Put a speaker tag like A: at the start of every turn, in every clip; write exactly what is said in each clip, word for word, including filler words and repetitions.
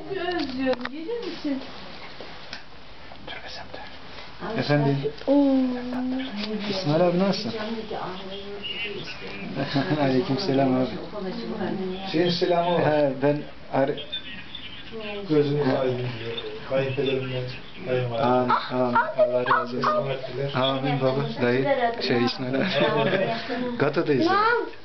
A: özlüyorum. Gelir misin?
B: Efendim? İsmail abi nasılsın? Aleykümselam abi.
C: Senin selamı var.
B: He, ben ar
C: Gözünüz aydın diyor. Kayınpederimden kayınvalidem.
B: Amin, amin. Allah razı olsun.
C: Rahmetliler.
B: Amin baba. Dayı, şey İsmail abi. Gata'dayız. abi.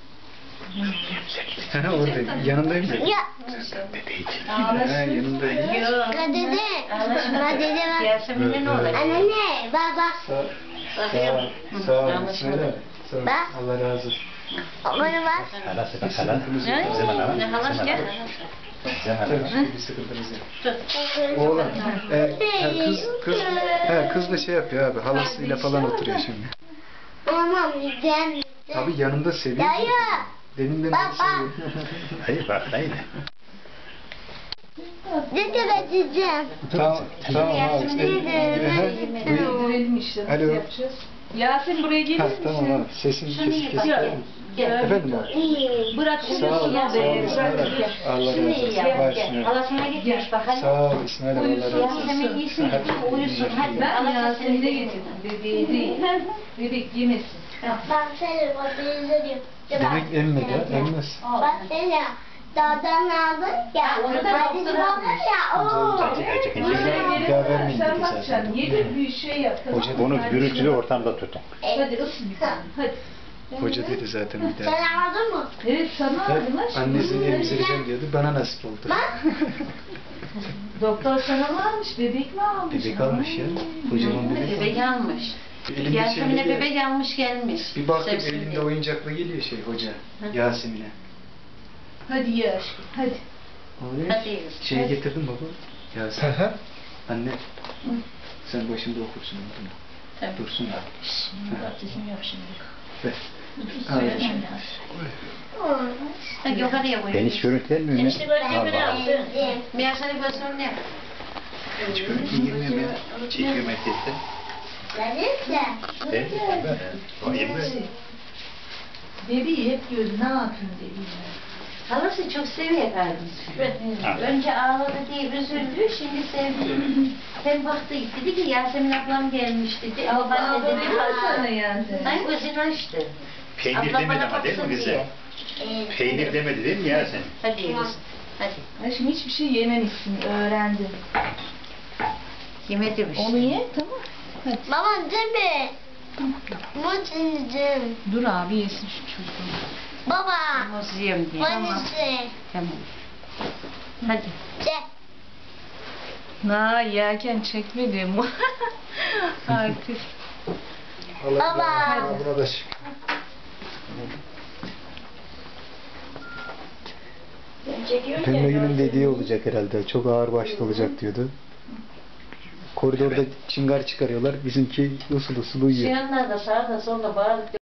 B: He, oradayım. Yanındayım da.
D: Ya.
B: He, yanındayım.
D: Ya dede. Ba dede bak.
A: Yasemin'e ne olacak?
D: Anne baba.
B: Sağ, sağ, sağ ol İsmail abi. Sağ ol.
D: Bak.
B: Allah razı olsun.
D: Bana bak.
E: Halası bak hala.
A: Ne halas gel.
B: Tabii, bir sıkıntımız yok. Oğlan, e, he, kız, kız, he, kız da şey yapıyor abi, halasıyla falan oturuyor şimdi.
D: Tamam güzel.
B: Tabii yanında seviyor.
D: Dayı.
B: Deminden beri
D: Baba.
B: seviyor.
E: Hayır bak hayır.
D: Dede vereceğim.
B: Tamam, tamam abi.
D: Dede vereceğim.
A: Verelim işte. Nasıl
B: Alo.
A: yapacağız? Yasin buraya gelir
B: Ha,
A: misin?
B: tamam abi, sesin kesik kesik. Efendim abi.
A: Bırak şunu
B: Sağ ol,
A: şuna
B: sağ ol
A: be.
B: İsmail abi. Allah razı olsun. Başlıyor.
F: Halasına gitmiş bakalım.
B: Sağ ol İsmail abi, Allah razı olsun.
F: Yasemin iyisin gitmiş uyusun. Hadi
A: Ben
F: Allah
A: Yasin'e
F: seni
A: getirdim. Bebeği değil. Bebek yemesin.
D: Bak seni bak izliyorum.
B: Demek emmedi ha, emmez.
D: Bak seni dağdan aldın ya.
F: onu da
D: Hadi
F: doktor
D: baba
F: almış.
D: ya. Oo.
B: Bir daha vermeyin
A: Sen
B: dedi
A: bakacaksın.
B: zaten.
A: Yedi bir şey yap. tamam mı?
E: Onu
A: Sen
E: gürültülü
A: şunu-
E: ortamda tutun.
A: Hadi ısın bir tane. Hadi.
B: Hoca dedi zaten bir daha.
D: Sen aldın mı?
A: Evet sana aldım lan. şimdi.
B: Annesini emzireceğim diyordu, bana nasip oldu.
A: Doktor sana mı almış? Bebek mi almış?
B: Bebek almış ya, kocaman bebek almış.
F: bebek almış.
B: Elinde
F: Yasemin'e
B: şeyle
F: bebek almış gelmiş.
B: Bir baktım
F: Sevsin
B: elinde
F: diye.
B: oyuncakla geliyor şey hoca, Yasemin'e.
A: Hadi ye aşkım. Hadi.
B: Oraya
F: Hadi.
B: şey
A: Hadi.
B: getirdim baba. Yasemin. Anne. Sen başında okursun onu.
F: Tabii.
B: Dursun da.
A: Ateşim yok şimdi.
B: Ver.
A: Söyle
B: Al.
A: şimdi.
F: Hadi yukarıya koy.
E: Ben hiç görüntülenmiyor mu?
F: Enişte böyle böyle
E: Allah.
F: yapsın. Bir yaşları göstereyim ne yap?
E: Hiç görüntülenmiyor ya. Çekiyor merkezde.
D: Gelirse.
E: Evet. O yirmi.
A: Bebeği hep diyordu ne yapayım dedi.
F: Halası çok seviyor kardeşim. Önce ağladı diye üzüldü, şimdi sevdi. Hem baktı dedi ki Yasemin ablam gelmiş dedi. Ama ben de dedim
A: Sana yani.
F: ay gözünü açtı.
E: Peynir
F: Ablam
E: demedi
F: bana
E: ama değil mi
F: baksın
E: bize?
F: diye.
E: Peynir demedi değil mi ya sen?
F: Hadi yürüsün. Hadi.
A: Aşkım hiçbir şey yememişsin, öğrendim.
F: Yemedi bir şey.
A: Onu ye, tamam. Hadi.
D: Baba değil mi? Muz indim.
A: Dur abi yesin şu çocuğu.
D: Baba.
F: Muz yiyeyim diye.
D: Hangisi?
F: Tamam. Hadi.
D: Çek.
A: Na yerken çekmedim. Artist.
D: Baba.
B: Buna da şık. Pembe günün dediği olacak herhalde. Çok ağır başlı olacak diyordu. Koridorda çıngar çıkarıyorlar. Bizimki usul usul uyuyor.
F: Şu yanlarda sağda solda bağırıp